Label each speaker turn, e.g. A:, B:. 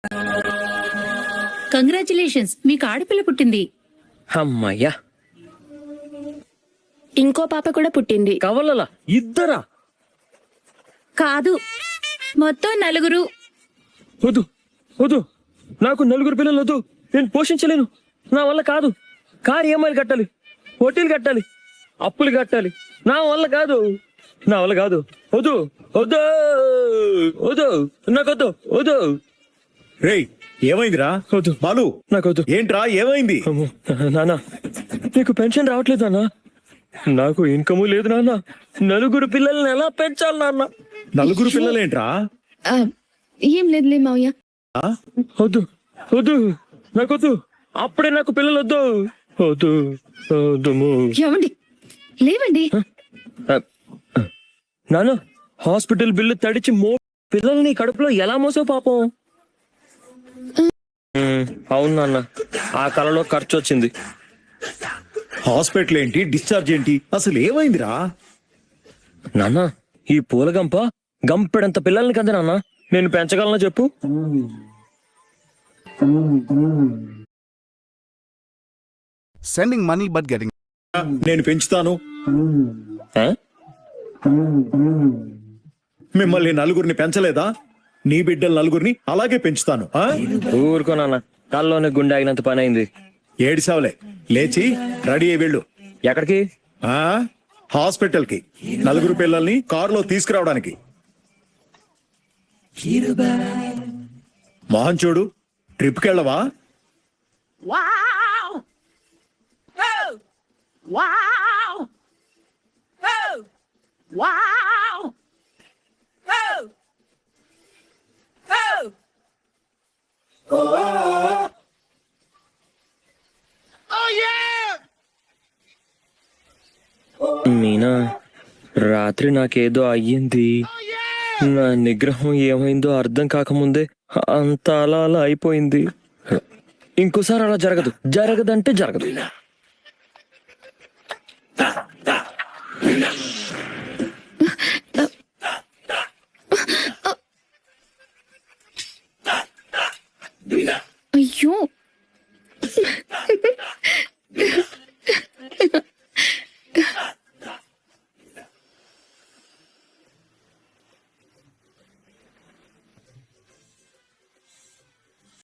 A: Congratulations, మీకు ఆడపిల్ల పుట్టింది.
B: అమ్మయ్యా.
C: ఇంకో పాప కూడా పుట్టింది.
B: కవలలా ఇద్దరా?
A: కాదు, మొత్తం 4.
B: వద్దు వద్దు, నాకు 4 పిల్లలు వద్దు. నేను పోషించలేను, నా వల్ల కాదు. కారు ఈఎంఐలు కట్టాలి, వడ్డీలు కట్టాలి, అప్పులు కట్టాలి. నా వల్ల కాదు, నా వల్ల కాదు. వద్దు వద్దు వద్దు, నాకొద్దు వద్దు.
D: రేయ్, ఏమైందిరా?
B: వద్దు
D: బాలు,
B: నాకొద్దు.
D: ఏంట్రా ఏమైంది?
B: అమ్మో, నాన్న నీకు పెన్షన్ రావట్లేదు నాన్న. నాకు ఇన్కము లేదు నాన్న. 4 పిల్లల్ని ఎలా పెంచాలి నాన్న?
D: 4 పిల్లలేంట్రా?
C: ఏం లేదులే మావయ్య.
B: వద్దు వద్దు, నాకొద్దు. అప్పుడే నాకు పిల్లలు వద్దు వద్దు వద్దు.
C: ఏమండి, లేవండి.
B: నాన్న, హాస్పిటల్ బిల్లు తడిచి పిల్లల్ని కడుపులో ఎలా మోసావు పాపం. అవును నాన్న, ఆ కలలో ఖర్చు వచ్చింది.
D: హాస్పిటల్ ఏంటి, డిశ్చార్జ్ ఏంటి, అసలు ఏమైందిరా?
B: నాన్న, ఈ పూలగంప గంపెడంత పిల్లల్ని కదా నాన్న నేను పెంచగలనా చెప్పు?
E: Sending money but getting.
D: నేను పెంచుతాను. మిమ్మల్ని 4 పెంచలేదా? నీ బిడ్డలు 4 అలాగే పెంచుతాను.
B: ఊరుకో నాన్న, కల్లోనే గుండె ఆగినంత పని అయింది.
D: ఏడిసావులే, లేచి రెడీ అయ్యి వెళ్ళు.
B: ఎక్కడికి?
D: హాస్పిటల్ కి 4 పిల్లల్ని కారులో తీసుకురావడానికి. మోహన్ చూడు, ట్రిప్ కి వెళ్ళవా?
B: మీనా, రాత్రి నాకేదో అయ్యింది. నా నిగ్రహం ఏమైందో అర్థం కాకముందే అంత అలా అలా అయిపోయింది. ఇంకోసారి అలా జరగదు, జరగదంటే జరగదు.